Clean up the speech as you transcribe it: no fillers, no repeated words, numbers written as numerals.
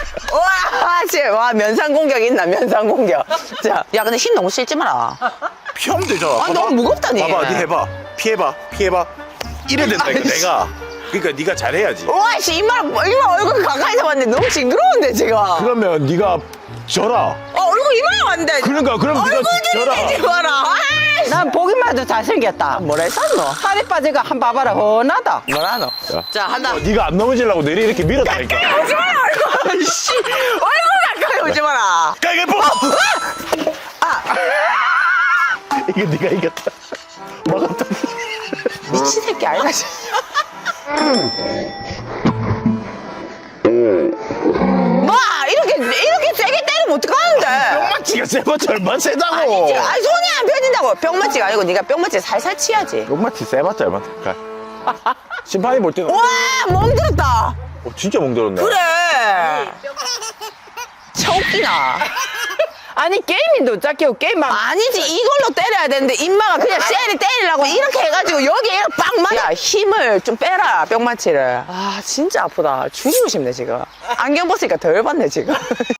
와, 쟤, 와, 면상 공격 있나, 면상 공격. 자, 야, 근데 힘 너무 실지 마라. 피하면 되잖아. 아, 봐봐. 너무 무겁다니. 봐봐, 니 해봐. 피해봐. 이래 된다니까, 내가. 그러니까 니가 잘해야지. 와, 씨, 이마 얼굴 가까이서 봤는데 너무 징그러운데, 지금. 그러면 니가 져라. 얼굴 이마가 안 돼. 그러니까, 그럼 니가 얼굴 져라. 들이대지 마라. 난 보기만 해도 잘생겼다. 뭐라 했었노? 살이 빠지가 한 봐봐라, 훤하다. 뭐라 너? 자, 한다. 니가 안 넘어지려고 내리 이렇게 밀었다니까. 오지 마라, 얼굴. 씨, 얼굴 가까이 오지 마라. 가위바위보! 이거 니가 이겼다. 막았다. 미친 새끼 아이가. 뭐, 이렇게 세게 때리면 어떡하는데? 뿅마치가 세봤자 얼마나 세다고. 아니, 손이 안 펴진다고. 뿅맞지가 아니고 네가 뿅맞지 살살 치야지. 뿅마치 세봤자 얼마나 가. 심판이 볼 때는 와, 멍들었다. 진짜 멍들었네. 그래. 차웃기나. 아니, 게임인도 짝게고 게임만. 아니지, 이걸로 때려야 되는데 임마가 그냥 쎄리 때리려고 이렇게 해가지고 여기에 빵 맞아. 야, 힘을 좀 빼라, 뿅마치를. 아, 진짜 아프다. 죽이고 싶네, 지금. 안경 벗으니까 덜 받네, 지금.